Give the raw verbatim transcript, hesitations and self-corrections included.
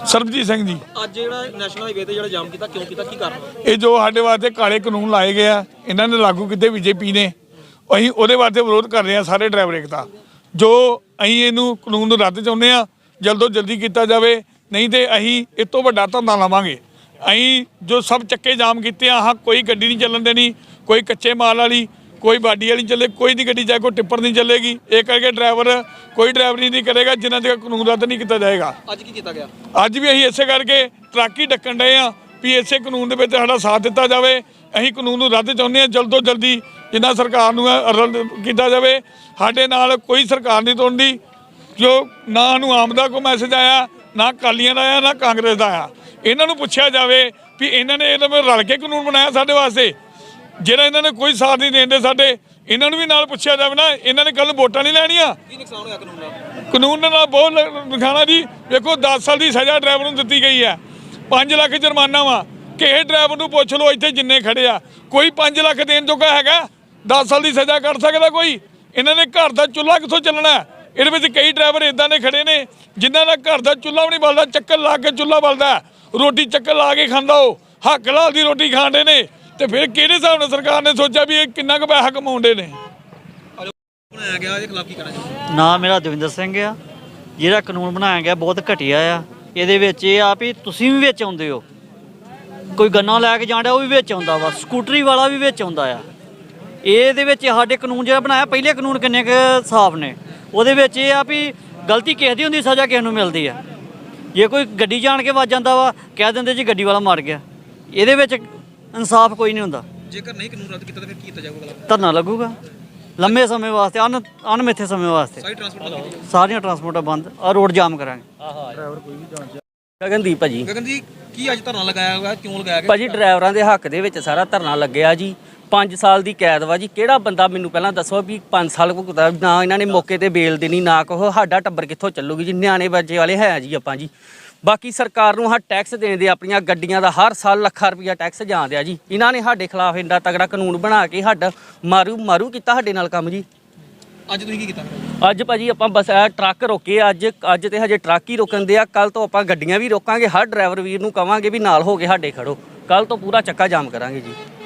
ਸਰਬਜੀਤ ਸਿੰਘ ਜੀ। ਅੱਜ ਜਿਹੜਾ ਨੈਸ਼ਨਲ ਹਾਈਵੇ ਤੇ ਜਿਹੜਾ ਜਾਮ ਕੀਤਾ ਕਿਉਂ ਕੀਤਾ, ਕੀ ਕਾਰਨ? ਇਹ ਜੋ ਸਾਡੇ ਵਾਸਤੇ ਕਾਲੇ ਕਾਨੂੰਨ ਲਾਏ ਗਏ ਆ, ਇਹਨਾਂ ਨੇ ਲਾਗੂ ਕੀਤੇ ਬੀਜੇਪੀ ਨੇ, ਅਸੀਂ ਉਹਦੇ ਵਾਸਤੇ ਵਿਰੋਧ ਕਰ ਰਹੇ ਹਾਂ ਸਾਰੇ ਡਰਾਈਵਰ ਏਕਤਾ। ਜੋ ਅਸੀਂ ਇਹਨੂੰ ਕਾਨੂੰਨ ਨੂੰ ਰੱਦ ਚਾਹੁੰਦੇ ਹਾਂ, ਜਲਦੋਂ ਜਲਦੀ ਕੀਤਾ ਜਾਵੇ, ਨਹੀਂ ਤੇ ਅਸੀਂ ਇਸ ਤੋਂ ਵੱਡਾ ਧਰਨਾ ਲਾਵਾਂਗੇ। ਅਸੀਂ ਜੋ ਸਭ ਚੱਕੇ ਜਾਮ ਕੀਤੇ ਆ, ਹਾਂ ਕੋਈ ਗੱਡੀ ਨਹੀਂ ਚੱਲਣ ਦੇਣੀ, ਕੋਈ ਕੱਚੇ ਮਾਲ ਵਾਲੀ, ਕੋਈ ਬਾਡੀ ਵਾਲੀ ਚੱਲੇ, ਕੋਈ ਦੀ ਗੱਡੀ ਚਾਹੇ ਕੋਈ ਟਿੱਪਰ ਨਹੀਂ ਚੱਲੇਗੀ। ਇਹ ਕਰਕੇ ਡਰਾਈਵਰ ਕੋਈ ਡਰਾਈਵਰੀ ਨਹੀਂ ਕਰੇਗਾ ਜਿਨ੍ਹਾਂ ਤੱਕ ਕਾਨੂੰਨ ਰੱਦ ਨਹੀਂ ਕੀਤਾ ਜਾਏਗਾ। ਅੱਜ ਕੀ ਕੀਤਾ ਗਿਆ? ਅੱਜ ਵੀ ਅਸੀਂ ਇਸੇ ਕਰਕੇ ਟਰੱਕ ਹੀ ਡੱਕਣ ਡਏ ਆ ਵੀ ਇਸੇ ਕਾਨੂੰਨ ਦੇ ਵਿੱਚ ਸਾਡਾ ਸਾਥ ਦਿੱਤਾ ਜਾਵੇ। ਅਸੀਂ ਕਾਨੂੰਨ ਨੂੰ ਰੱਦ ਚਾਹੁੰਦੇ ਹਾਂ, ਜਲਦ ਤੋਂ ਜਲਦੀ ਜਿੰਨਾ ਸਰਕਾਰ ਨੂੰ ਰੱਦ ਕੀਤਾ ਜਾਵੇ। ਸਾਡੇ ਨਾਲ ਕੋਈ ਸਰਕਾਰ ਨਹੀਂ ਤੋੜਦੀ, ਜੋ ਨਾ ਸਾਨੂੰ ਆਮ ਦਾ ਕੋਈ ਮੈਸੇਜ ਆਇਆ, ਨਾ ਅਕਾਲੀਆਂ ਦਾ ਆਇਆ, ਨਾ ਕਾਂਗਰਸ ਦਾ ਆਇਆ। ਇਹਨਾਂ ਨੂੰ ਪੁੱਛਿਆ ਜਾਵੇ ਵੀ ਇਹਨਾਂ ਨੇ ਇਹਨਾਂ ਰਲ ਕੇ ਕਾਨੂੰਨ ਬਣਾਇਆ ਸਾਡੇ ਵਾਸਤੇ, ਜਿਹੜਾ ਇਹਨਾਂ ਨੇ ਕੋਈ ਸਾਥ ਨਹੀਂ ਦੇਂਦੇ ਸਾਡੇ। ਇਹਨਾਂ ਨੂੰ ਵੀ ਨਾਲ ਪੁੱਛਿਆ ਜਾਵੇ ਨਾ, ਇਹਨਾਂ ਨੇ ਕੱਲ ਵੋਟਾਂ ਨਹੀਂ ਲੈਣੀਆਂ। ਕੀ ਨੁਕਸਾਨ ਹੋਇਆ ਕਾਨੂੰਨ ਨਾਲ? ਕਾਨੂੰਨ ਨਾਲ ਬਹੁਤ ਨੁਕਸਾਨ ਜੀ। ਵੇਖੋ ਦਸ ਸਾਲ ਦੀ ਸਜ਼ਾ ਡਰਾਈਵਰ ਨੂੰ ਦਿੱਤੀ ਗਈ ਹੈ, ਪੰਜ ਲੱਖ ਜੁਰਮਾਨਾ ਵਾ। ਕਿਸੇ ਡਰਾਈਵਰ ਨੂੰ ਪੁੱਛ ਲਓ ਇੱਥੇ ਜਿੰਨੇ ਖੜੇ ਆ, ਕੋਈ ਪੰਜ ਲੱਖ ਦੇਣ ਜੋਗਾ ਹੈਗਾ? ਦਸ ਸਾਲ ਦੀ ਸਜ਼ਾ ਕੱਢ ਸਕਦਾ ਕੋਈ? ਇਹਨਾਂ ਨੇ ਘਰ ਦਾ ਚੁੱਲ੍ਹਾ ਕਿੱਥੋਂ ਚੱਲਣਾ? ਇਹਦੇ ਵਿੱਚ ਕਈ ਡਰਾਈਵਰ ਇੱਦਾਂ ਦੇ ਖੜੇ ਨੇ ਜਿਨ੍ਹਾਂ ਦਾ ਘਰ ਦਾ ਚੁੱਲ੍ਹਾ ਵੀ ਨਹੀਂ ਬਲਦਾ, ਚੱਕਰ ਲਾ ਕੇ ਚੁੱਲ੍ਹਾ ਬਲਦਾ, ਰੋਟੀ ਚੱਕਰ ਲਾ ਕੇ ਖਾਂਦਾ, ਉਹ ਹੱਕ ਲਾਲ ਦੀ ਰੋਟੀ ਖਾਂਦੇ ਨੇ। ਤੇ ਫਿਰ ਕਿਹੜੇ ਹਿਸਾਬ ਨਾਲ ਸਰਕਾਰ ਨੇ ਸੋਚਿਆ ਵੀ ਇਹ ਕਿੰਨਾ ਕੁ ਪੈਸਾ ਕਮਾਉਂਦੇ ਨੇ? ਬਣਾਇਆ ਗਿਆ, ਇਹਦੇ ਖਿਲਾਫ ਕੀ ਕਰਨਾ ਚਾਹੁੰਦੇ? ਨਾ ਮੇਰਾ ਦਵਿੰਦਰ ਸਿੰਘ ਆ। ਜਿਹੜਾ ਕਾਨੂੰਨ ਬਣਾਇਆ ਗਿਆ ਬਹੁਤ ਘਟੀਆ ਆ। ਇਹਦੇ ਵਿੱਚ ਇਹ ਆ ਵੀ ਤੁਸੀਂ ਵੀ ਵਿੱਚ ਆਉਂਦੇ ਹੋ, ਕੋਈ ਗੰਨਾ ਲੈ ਕੇ ਜਾਂਦਾ ਉਹ ਵੀ ਵਿੱਚ ਆਉਂਦਾ ਵਾ, ਸਕੂਟਰੀ ਵਾਲਾ ਵੀ ਵਿੱਚ ਆਉਂਦਾ ਆ। ਇਹਦੇ ਵਿੱਚ ਸਾਡੇ ਕਾਨੂੰਨ ਜਿਹੜਾ ਬਣਾਇਆ, ਪਹਿਲੇ ਕਾਨੂੰਨ ਕਿੰਨੇ ਕੁ ਸਾਫ਼ ਨੇ। ਉਹਦੇ ਵਿੱਚ ਇਹ ਆ ਵੀ ਗਲਤੀ ਕਿਸੇ ਦੀ ਹੁੰਦੀ, ਸਜ਼ਾ ਕਿਸੇ ਨੂੰ ਮਿਲਦੀ ਆ। ਜੇ ਕੋਈ ਗੱਡੀ ਜਾਣ ਕੇ ਵੱਜ ਜਾਂਦਾ ਵਾ, ਕਹਿ ਦਿੰਦੇ ਜੀ ਗੱਡੀ ਵਾਲਾ ਮਰ ਗਿਆ। ਇਹਦੇ ਵਿੱਚ ਇਨਸਾਫ ਕੋਈ ਨਹੀਂ ਹੁੰਦਾ। ਜੇਕਰ ਨਹੀਂ ਕਾਨੂੰਨ ਰੱਦ ਕੀਤਾ ਤਾਂ ਫਿਰ ਕੀ ਕੀਤਾ ਜਾਊਗਾ? ਧਰਨਾ ਲੱਗੂਗਾ ਲੰਮੇ ਸਮੇਂ ਵਾਸਤੇ, ਅਨ ਅਣਮਿੱਥੇ ਸਮੇਂ ਵਾਸਤੇ। ਸਾਰੀ ਟਰਾਂਸਪੋਰਟ ਬੰਦ ਕੀਤੀ? ਸਾਰੀਆਂ ਟਰਾਂਸਪੋਰਟਾਂ ਬੰਦ, ਆ ਰੋਡ ਜਾਮ ਕਰਾਂਗੇ। ਗਗਨਦੀਪ ਭਾਜੀ। ਗਗਨ ਜੀ, ਕੀ ਅੱਜ ਧਰਨਾ ਲਗਾਇਆ ਹੋਇਆ, ਕਿਉਂ ਲਗਾਇਆ ਗਿਆ? ਭਾਜੀ ਡਰਾਈਵਰਾਂ ਦੇ ਹੱਕ ਦੇ ਵਿੱਚ ਸਾਰਾ ਧਰਨਾ ਲੱਗਿਆ ਜੀ। ਪੰਜ ਸਾਲ ਦੀ ਕੈਦ ਵਾ ਜੀ। ਕਿਹੜਾ ਬੰਦਾ ਮੈਨੂੰ ਪਹਿਲਾਂ ਦੱਸੋ ਵੀ ਪੰਜ ਸਾਲ ਭੁਗਤਾ? ਨਾ ਇਹਨਾਂ ਨੇ ਮੌਕੇ ਤੇ ਬੇਲ ਦੇਣੀ, ਨਾ ਕਹੋ ਸਾਡਾ ਟੱਬਰ ਕਿੱਥੋਂ ਚੱਲੂਗੀ ਜੀ। ਨਿਆਣੇ ਬੱਚੇ ਵਾਲੇ ਹੈ ਜੀ ਆਪਾਂ ਜੀ। ਬਾਕੀ ਸਰਕਾਰ ਨੂੰ ਹਾਂ ਟੈਕਸ ਦੇਣ ਦੇ, ਆਪਣੀਆਂ ਗੱਡੀਆਂ ਦਾ ਹਰ ਸਾਲ ਲੱਖਾਂ ਰੁਪਈਆ ਟੈਕਸ ਜਾਂਦੇ ਆ ਜੀ। ਇਹਨਾਂ ਨੇ ਸਾਡੇ ਖਿਲਾਫ ਇੰਨਾ ਤਗੜਾ ਕਾਨੂੰਨ ਬਣਾ ਕੇ ਸਾਡਾ ਮਾਰੂ ਮਾਰੂ ਕੀਤਾ ਸਾਡੇ ਨਾਲ ਕੰਮ ਜੀ। ਅੱਜ ਤੁਸੀਂ ਕੀ ਕੀਤਾ? ਅੱਜ ਭਾਜੀ ਆਪਾਂ ਬਸ ਇਹ ਟਰੱਕ ਰੋਕੇ ਅੱਜ ਅੱਜ ਤੇ ਹਜੇ ਟਰੱਕ ਹੀ ਰੋਕਣ ਦੇ ਆ। ਕੱਲ ਤੋਂ ਆਪਾਂ ਗੱਡੀਆਂ ਵੀ ਰੋਕਾਂਗੇ। ਹਰ ਡਰਾਈਵਰ ਵੀਰ ਨੂੰ ਕਵਾਂਗੇ ਵੀ ਨਾਲ ਹੋ ਕੇ ਸਾਡੇ ਖੜੋ। ਕੱਲ ਤੋਂ ਪੂਰਾ ਚੱਕਾ ਜਾਮ ਕਰਾਂਗੇ ਜੀ।